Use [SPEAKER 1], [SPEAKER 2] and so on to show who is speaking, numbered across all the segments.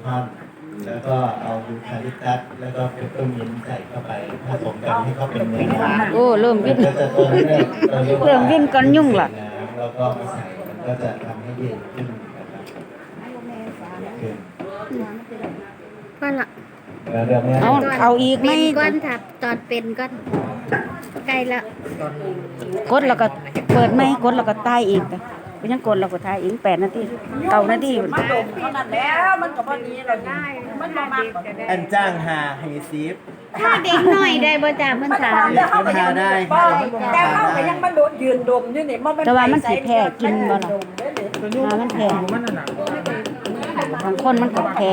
[SPEAKER 1] ท่อนแล้วก็เอายูคาลิปตัสแล้วก็เปปเปอร์มินต์ใส่เข้าไปผสมกันให้เขาเป็นเนื้อหวาน
[SPEAKER 2] โอ้เริ่มวิ่น
[SPEAKER 1] ก็จะตัวนี้เนี่ยเราเรียกว่า
[SPEAKER 2] เริ่มวิ่นก่อนยุ่งล่ะ
[SPEAKER 1] แล้วก็มาใส่มันก็จะทำให้เย็นขึ้นนะครับขึ้น
[SPEAKER 3] ก้อนละ
[SPEAKER 1] เดี๋ยวแม่
[SPEAKER 2] เอาอีกไหม
[SPEAKER 3] เป็นก้อนถับตอนเป็นก้อนใกล้ละ
[SPEAKER 2] กดแล้วก็เปิดไหมกดแล้วก็ตายอีกไปยังกดแล้วก็ตายอีก8 นาที9 นาที
[SPEAKER 4] มันโดดเท่านั้นแล้วมันก็พอดีแล้วได้มันมามากกว่า
[SPEAKER 1] อันจ้างหาไฮซีฟ
[SPEAKER 3] ถ้าเด็กหน่อยได้บ่จ้าเพิ่นถาม
[SPEAKER 4] แต่เขาก็ยังแต่เขาก็ยังมาโดดยืนดมอยู่นี่มัน
[SPEAKER 2] แต่ว่ามันสิแพ้กินบ่ล่ะมันแพ้บางคนมันก็แพ้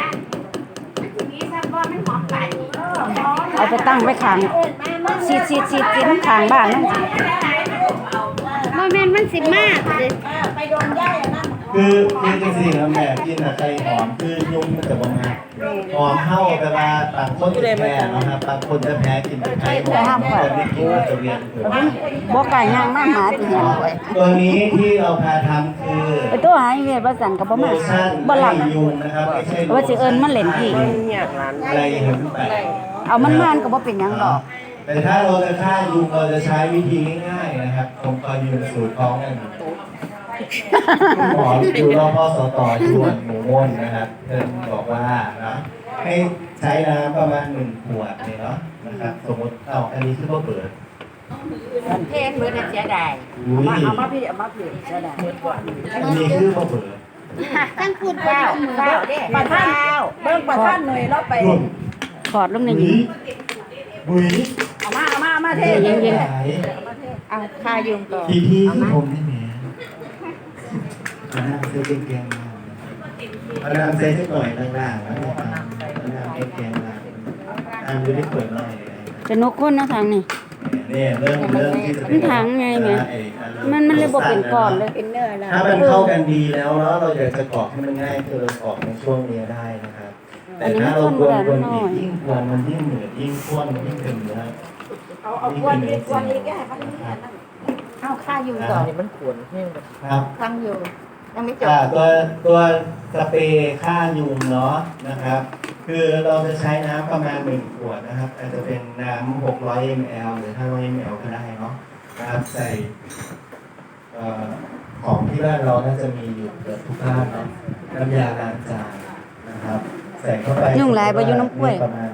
[SPEAKER 2] เอาไปตั้งไว้ข้างซีดข้างบ้านนั่น
[SPEAKER 3] บ่แม่นมันสิมากเด้
[SPEAKER 4] ไปโดนย่ายอันนั้น
[SPEAKER 1] คือจริงๆแล้วแม่กินอะไข่หอมคือยุ่งมันจะประมาณหอมเข้าแต่ว่าบางคนจะแพ้นะครับบางคนจะแพ้กินแต่ไข่หอมคนที่กินก็จะเวียนหัว
[SPEAKER 2] บ่ไก่ย่างมาหาสิเห็นไว้
[SPEAKER 1] ตัวนี้ที่เราพาทำคือ
[SPEAKER 2] ไปตัวหายเวทว่าสั่นก็บ่มา
[SPEAKER 1] โลชั่น
[SPEAKER 2] บ่หลับ
[SPEAKER 1] ไล่ยุงนะครับไม่ใช่
[SPEAKER 2] ว่าสิเอิ้นมันเล่นพี่
[SPEAKER 1] ไล่เห็นไป
[SPEAKER 2] เอามันมานก็บ่เป็นหยังดอก
[SPEAKER 1] แต่ถ้าเราจะฆ่ายุงเราจะใช้วิธีง่ายๆนะครับผมก็ยืนสูตรท้องนั่นคุณหมออยู่รอบพสตชวนหมูม่นนะครับเพิ่นบอกว่านะให้ใช้น้ำประมาณ1 ขวดเนี่ยเนาะนะครับสมมติอันนี้คือว่าเปิด
[SPEAKER 4] เพนเมื่อนั้นเสียดาย
[SPEAKER 1] อุ้ย
[SPEAKER 4] เอามาพี่เสียดาย
[SPEAKER 1] อันนี้คือว่าเปิด
[SPEAKER 3] ทั้งพูด
[SPEAKER 4] ข้าว
[SPEAKER 3] มือ
[SPEAKER 4] ข้าวเด้ประท่านเบิ่งประท่านหน่อยเราไป
[SPEAKER 1] รุ่น
[SPEAKER 2] ถอดลงใน
[SPEAKER 1] บุ๋
[SPEAKER 2] นี้
[SPEAKER 1] ยบุ๋ย
[SPEAKER 4] เอามาเท
[SPEAKER 2] เย็น
[SPEAKER 4] เอาคายุงต่อ
[SPEAKER 1] พี่ผมได้ไหมมานั่งเซ็ตแกงมานั่งเซ็ตหน่อยล่างๆแล้วมานั่งเซ็ตแกงล่างดูได้เปิดหน่อย
[SPEAKER 2] จะนกคนเนาะทางนี้
[SPEAKER 1] เนี่ยเรื่องที่จะ
[SPEAKER 2] มันถังไงแม่มันเลยบ่เป็นก้อนเลย
[SPEAKER 4] เป็นเนื้อแล้ว
[SPEAKER 1] ถ้ามันเข้ากันดีแล้วเนาะเราอยากจะกรอกให้มันง่ายคือเรากรอกในช่วงนี้ได้นะครับแต่ถ้าเรากวนอีกยิ่งกวนมันยิ่งเหนือยิ่งข้นยิ่งเป็นเนื้อ
[SPEAKER 4] เอากวนอีกแก่มันเอาค่ายุงต่อนี่มันขวน
[SPEAKER 1] ครับ
[SPEAKER 4] ทั้งอยู่ยังไม่จบ
[SPEAKER 1] ตัวสเปรย์ฆ่ายุงเนาะนะครับ คือเราจะใช้น้ำประมาณ1 ขวดนะครับอาจจะเป็นน้ำ600 ml หรือ500 ml ก็ได้เนาะนะครับใส่ของที่บ้านเราน่าจะมีอยู่เกือบทุกบ้านเนาะน้ำยาล้างจานนะครับใส่เข้าไป
[SPEAKER 2] ยุ่งหลายบ่อยู่น้ำกล้วย
[SPEAKER 1] ประมาณ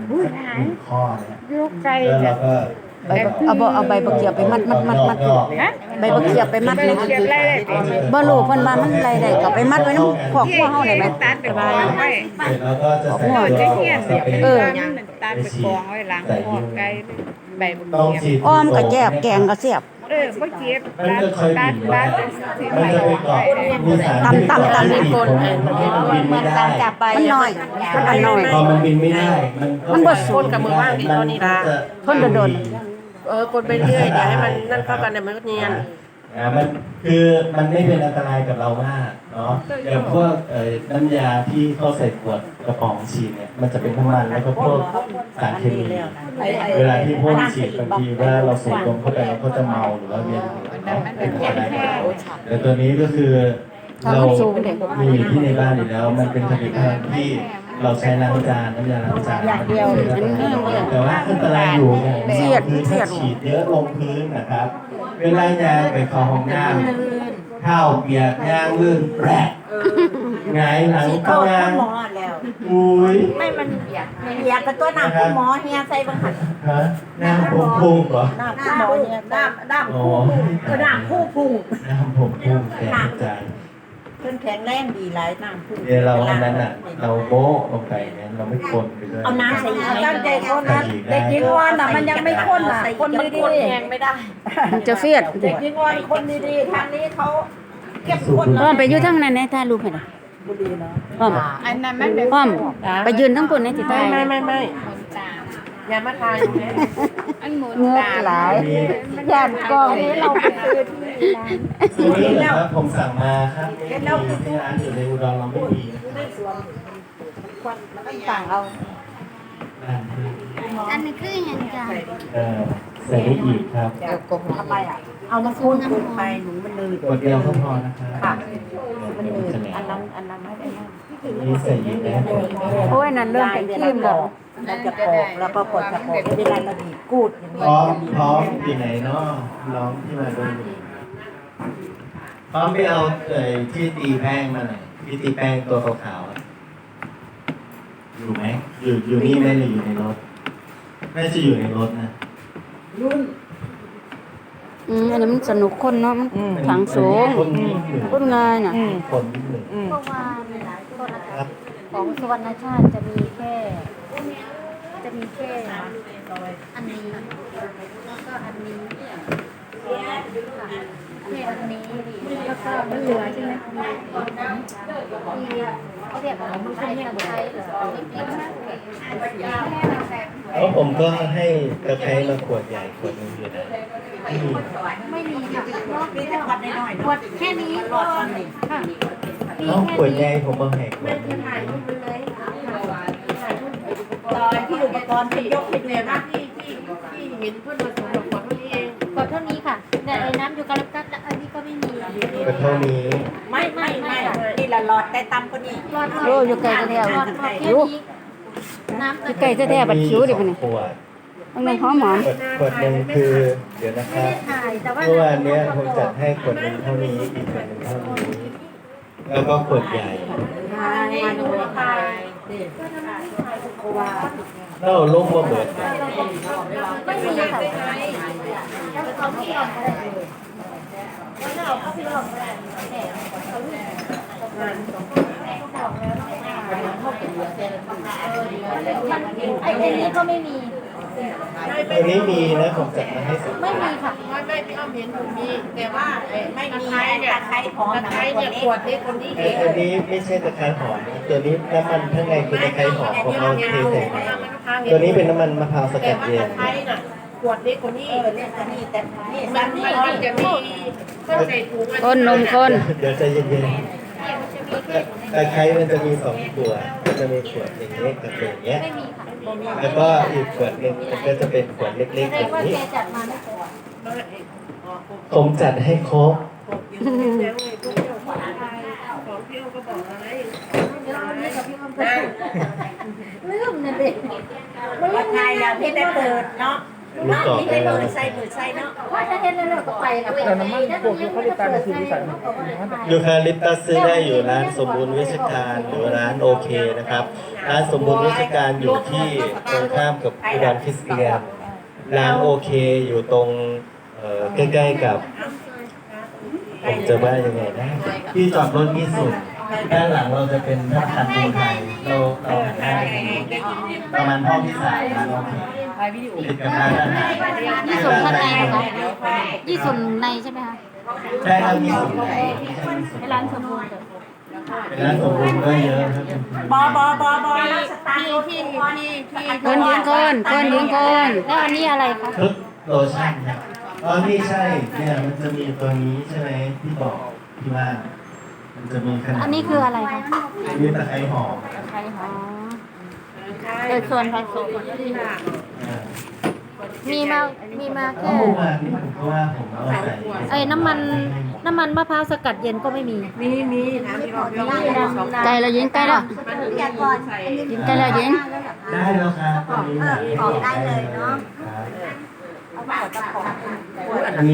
[SPEAKER 1] 1 ข้อเนี่ย
[SPEAKER 4] ยุกไก่
[SPEAKER 1] แล้วเราก็
[SPEAKER 2] เอาใบบักเขียบไปมัดใบบักเขียบไปมัดเลยบ่รู้เพิ่นว่ามันไรได้ก็ไปมัดไว้นำครอบครัวเฮาได้ไหม
[SPEAKER 5] ตัดไปกองไว้
[SPEAKER 1] เสร็จแล้วก็จะใส่
[SPEAKER 5] จะ
[SPEAKER 1] ตัว
[SPEAKER 5] เหี้ยน
[SPEAKER 1] ส
[SPEAKER 5] เสีย
[SPEAKER 1] เปร
[SPEAKER 5] เออ
[SPEAKER 1] ย์
[SPEAKER 5] ตัดไปกองไว้หลังหัวไก่ใบบุ
[SPEAKER 1] ต้อง
[SPEAKER 5] เกียบ
[SPEAKER 1] ฉีด
[SPEAKER 2] อ้อมก็แจบแกงก็แซ่บ
[SPEAKER 5] บ่เก็บ
[SPEAKER 1] มันจะเคย
[SPEAKER 5] ตั
[SPEAKER 1] บิ
[SPEAKER 5] ด
[SPEAKER 1] น
[SPEAKER 5] ตั
[SPEAKER 1] ว่า
[SPEAKER 5] ดสิ
[SPEAKER 1] มัน
[SPEAKER 5] ใบ
[SPEAKER 1] จะไป
[SPEAKER 5] กอง
[SPEAKER 1] เกาะ
[SPEAKER 5] ไว้
[SPEAKER 1] มีสาร
[SPEAKER 2] ตำในกล
[SPEAKER 1] บินไม่ได้
[SPEAKER 2] มันน้อยมันอันน้อย
[SPEAKER 1] พอมันบินไม่ได้มัน
[SPEAKER 2] บ่สูง
[SPEAKER 1] กับมือว่างดีตอนนี้ละ
[SPEAKER 2] คนโดน
[SPEAKER 6] กดไปเรื่อยเดี๋ยวให้มันนั่นเข้ากันเดี๋ยวมันก็เนียน
[SPEAKER 1] มันคือมันไม่เป็นอันตรายกับเรามากเนาะอย่างพวกน้ำยาที่เขาใส่ขวดกระป๋องฉีดเนี่ยมันจะเป็นน้ำมันแล้วก็พวกสารเคมีเวลาที่พ่นฉีดบางทีว่าเราสูดลมเข้าไปเราก็จะเมาหรือว่าเวียนหัวเนาะเป็นอะไรแต่ตัวนี้ก็คือเรามีอยู่ที่ในบ้านอยู่แล้ว มันเป็นผลิตภัณฑ์ที่เราใช้ล้างจานน้ำยาล้างจานอย่างเดียวแต่ว่าอันตรายอยู่อย่างเดียวคือถ้าฉีดเยอะลงพื้นนะครับ เวลายางไปเข้าห้องน้ำข้าวเปียกยางลื่นแปรกหงายหลังเข้ายาง
[SPEAKER 4] หมอแล้ว
[SPEAKER 1] อุ้ย
[SPEAKER 4] ไม่มันอยากกับตัวน้ำคุณหมอเฮียใส่บังหัน
[SPEAKER 1] ฮะน้ำผมพุ่งเหรอ
[SPEAKER 4] น้ำคุณหมอเฮียน้ำคู่น้ำคู่พุ่ง
[SPEAKER 1] น้ำผมพุ่งแตกใจ
[SPEAKER 4] เพิ่นแข็งแรงดีหลายน้ำคู่
[SPEAKER 1] เดี๋ยวเราอันนั้นอ่ะ เราโบ๊ะลงไปเนี่ยเราไม่คนไปด้วย
[SPEAKER 4] เอาน้ำใส่อีกตั้งใจคนนั้นเด็กหญิงวอนน่ะมันยังไม่ข้นอ่ะคนดีๆแข็งไม่ได้
[SPEAKER 2] มันจะเฟียด
[SPEAKER 4] เด็กหญิงวอนคนดีๆทางนี้เขาเก็บคน
[SPEAKER 2] อ้อมไปอยู่ทางนั้นในถ่ายรูปให้ได้
[SPEAKER 4] บุรีเนาะ
[SPEAKER 2] อ้อม
[SPEAKER 5] อันนั้นมันเป็น
[SPEAKER 2] อ้อมไปยืนทั้งคนในที่ถ่าย
[SPEAKER 6] ไม่อย่ามาทาย
[SPEAKER 5] อันหมุน
[SPEAKER 2] เงือก
[SPEAKER 5] ตาม
[SPEAKER 2] หลายย่านกล้อง
[SPEAKER 4] นี้เราไปซื้อที่ร้าน
[SPEAKER 1] ตัวนี้นะครับผมสั่งมาครับไม่มีที่ร้านอยู่ในอุดรเราไม่มี
[SPEAKER 4] ในสวนควันมันต้องสั่งเอา
[SPEAKER 1] ร้านที่
[SPEAKER 3] อันนี้คือหยังจ้า
[SPEAKER 1] ใส่ได้อีกครับ
[SPEAKER 4] เดี๋ยวกงเข้าไปอ่ะเอามาคูณไปหนูมันเลย
[SPEAKER 1] กดเดียวก็พอนะครับ
[SPEAKER 4] ค่ะมันเลยอันนั้นไม่ได้นั่น
[SPEAKER 1] นี่ใส่ยิงได้หมด
[SPEAKER 2] โอ้ยนั่นเริ่มเป็นครีมแล้ว
[SPEAKER 4] มันจะปอกแล้วก็กดจะปอกเวลาเราบีบกูดอย่าง
[SPEAKER 1] พ
[SPEAKER 4] เงี้
[SPEAKER 1] ร้อมพร้อมอยู่ไหนเนาะน้องที่มาดูพร้อมไปเอาที่ตีแป้งมาหน่อยที่ตีแป้งตัวขาวๆอะอยู่ไหมอยู่นี่ไหมหรืออยู่ในรถน่าจะอยู่ในรถนะ
[SPEAKER 2] อันนี้มันสนุกคนเนาะมันถังสูง
[SPEAKER 1] คนนิดหนึ่ง
[SPEAKER 2] คนง่ายน่ะ
[SPEAKER 1] คนนิดหนึ่ง
[SPEAKER 3] เพราะว่าโทษนะ
[SPEAKER 1] ครั
[SPEAKER 3] คะ
[SPEAKER 1] บ
[SPEAKER 3] ของสุวรรณชาติจะมีแค่ อันนี้แล้วก็อันนี้แค่อันนี้แล้วก็มันเหลือใช่ไหมที่เขาเรียกอะไรมันเป็นตะไคร้เหรอเล็กๆนะ
[SPEAKER 1] แล้วผมก็ให้กระไคร้มาขวดใหญ่ขวดหนึงอยู่นะ
[SPEAKER 3] ไม่มีค่ะ
[SPEAKER 4] มีแต่ขวดน้อยๆ
[SPEAKER 3] ขวดแค่นี้ก็ค่ะมี
[SPEAKER 1] น้อง
[SPEAKER 3] แค่
[SPEAKER 1] ขวดใหญ่
[SPEAKER 3] นี้
[SPEAKER 1] ผมมาแหกขวดหนึง
[SPEAKER 4] ตอนที่อุปกรณ์ที่ยกให้ดูนะ
[SPEAKER 6] ที่เห็นเพื่อนมาส่งขวดเท่านี้เอง
[SPEAKER 3] ขวดเท่านี้ค่ะแต่ไอ้น้ำยูคาลิปตัสอันนี้ก็ไม่มี
[SPEAKER 1] ก็เท่านี้
[SPEAKER 4] ไม่นี่ละหลอดได้ตำก็นี่
[SPEAKER 3] รอด
[SPEAKER 2] โอ้อยู่ไกลแท้ๆ
[SPEAKER 3] รอดแค่นี้น้ำ
[SPEAKER 2] อยู่ไกลแท้ๆบัดคิ้วดิพุ่นนี่
[SPEAKER 1] ขวด
[SPEAKER 2] มันเป็นหอม
[SPEAKER 1] ขวดหนึ่งคือเดี๋ยวนะค
[SPEAKER 3] ไม่
[SPEAKER 1] รับ
[SPEAKER 3] ได้ถ่ายแต่ว่า
[SPEAKER 1] เมื่อวานเนี้ยผมจัดให้ขวดหนึ่งเท่านี้อีกขวดหนึ่งเท่านี้แล้วก็ขวดใหญ่
[SPEAKER 4] มาดูไป
[SPEAKER 1] แล้วเอาลูกมาเบิด
[SPEAKER 3] ไม่มีค่ะแล้วเขาไม่ยอมอะไรเลยแล้วเราก็ไม่ยอมอะไรไอ้นี้ก็ไม่มี
[SPEAKER 1] ตัวนี้มีนะผมจัดมาให้สุด
[SPEAKER 3] ไม่มีค่ะ
[SPEAKER 6] ไม่พี่อ้อมเห็นอยู่มีแต่ว่า
[SPEAKER 4] ไม่มี
[SPEAKER 6] ตะไคร้เนี่ย
[SPEAKER 4] ตะไคร้หอม
[SPEAKER 6] ตะไคร้เนี่ยขวดนี้คนที่
[SPEAKER 1] ไอ้อันนี้ไม่ใช่ตะไคร้หอมนะตัวนี้น้ำมันข้างในคือตะไคร้หอมผมเอาเทใส่ไปตัวนี้เป็นน้ำมันมะพร้าวส
[SPEAKER 6] แต่
[SPEAKER 1] กัด
[SPEAKER 6] ว่า
[SPEAKER 1] เย็
[SPEAKER 6] ตะ
[SPEAKER 1] น
[SPEAKER 6] ไคร้น่ะขวดนี้คนนี้
[SPEAKER 4] เรียกนี่แต่นี่
[SPEAKER 6] มั
[SPEAKER 4] สั้
[SPEAKER 6] น
[SPEAKER 4] น
[SPEAKER 6] นี่
[SPEAKER 4] นี่
[SPEAKER 6] มันจะมีก็ใส่ถุง
[SPEAKER 2] ๆคนนมคน
[SPEAKER 1] เดี๋ยวใจเย็นๆตะไคร้มันจะมีสองขวดก็จะมีขวดอย่างนี้กับอย่างเงี้ย
[SPEAKER 3] ไม่มีค่ะ
[SPEAKER 1] แล้วก็อีกขวดหนึ่งมันก็จะเป็นขวดเล็กๆ
[SPEAKER 3] แส
[SPEAKER 1] แบ
[SPEAKER 3] ดง
[SPEAKER 1] บ
[SPEAKER 3] ว่า
[SPEAKER 1] นี้
[SPEAKER 3] แกจัดมาไม่พอ
[SPEAKER 1] ผมจัดให้ครบ
[SPEAKER 6] ของพี่อ้อมก็บอกอะไร
[SPEAKER 3] ลืมเนี่ยเด็กมันลื
[SPEAKER 4] ว่าม ไง
[SPEAKER 3] ง่าย
[SPEAKER 4] แล้ว
[SPEAKER 3] เห็
[SPEAKER 4] นี่
[SPEAKER 3] น
[SPEAKER 4] ได้
[SPEAKER 3] ว่า
[SPEAKER 4] เปิดเนาะเนาะนี่ได้เปิดใส่เนาะ
[SPEAKER 3] ว่าถ้าเห็นแล้วก็ไปแล้วแต่น้ำมันพวกที่เขาได้ตามมาคือวิสัย
[SPEAKER 1] ยูคาลิปตัสซื้อได้อยู่ร้านสมบูรณ์วิชการหรือร้านโอเคนะครับร้านสมบูรณ์วิชการอยู่ที่ตรงข้ามกับอุดรคริสเตียนร้านโอเคอยู่ตรงใกล้ๆกับ ผมจะว่ายังไงนะที่จอดรถมีสุดด้านหลังเราจะเป็นธนาคารกรุงไทยเราหันหน้าไปประมาณห้องที่สามร้านโอเคติดกับร้านอาหาร
[SPEAKER 3] ยี่ส่วนข้างในนะคะยี่ส่วนในใช่ไหมคะ
[SPEAKER 1] ใช่ครับมีสุดไหนไม่ใช่มีสุด
[SPEAKER 3] ร้านสมบูรณ์
[SPEAKER 1] เป็นร้านสมบูรณ์ก็เยอะครับ
[SPEAKER 4] บสตาร์ทที่
[SPEAKER 2] คนยืนคนยืนคน
[SPEAKER 3] แล้วอันนี้อะไรคะ
[SPEAKER 1] ทุกโลชั่นครับอ๋อนี่ใช่เนี่ยมันจะมีตัวนี้ใช่ไหมที่บอกที่ว่ามันจะมีขนาด
[SPEAKER 3] อันนี้คืออะไรคะ
[SPEAKER 1] นี่ตะไคร้หอม
[SPEAKER 3] ไข่หอมเป็นส่วนผสม
[SPEAKER 1] อ่า
[SPEAKER 3] มีมาแค่
[SPEAKER 1] เมื่อวานนี้ผมก็ว่าผมเอาใส่
[SPEAKER 3] ไอ้น้ำมันมะพร้าวสกัดเย็นก็ไม่มี
[SPEAKER 6] มีนะพี่อ้อมพี่อ้อมสอง
[SPEAKER 2] ใกล้แล้วยิงใกล้แล้ว
[SPEAKER 4] อยากก่อน
[SPEAKER 2] ยิงใกล้แล้วยิง
[SPEAKER 1] ได้แล้วครับตอนนี้
[SPEAKER 4] บอกได้เลยเนาะ
[SPEAKER 1] ครับ
[SPEAKER 4] เอาไปเอาตะขอ
[SPEAKER 1] อันนี้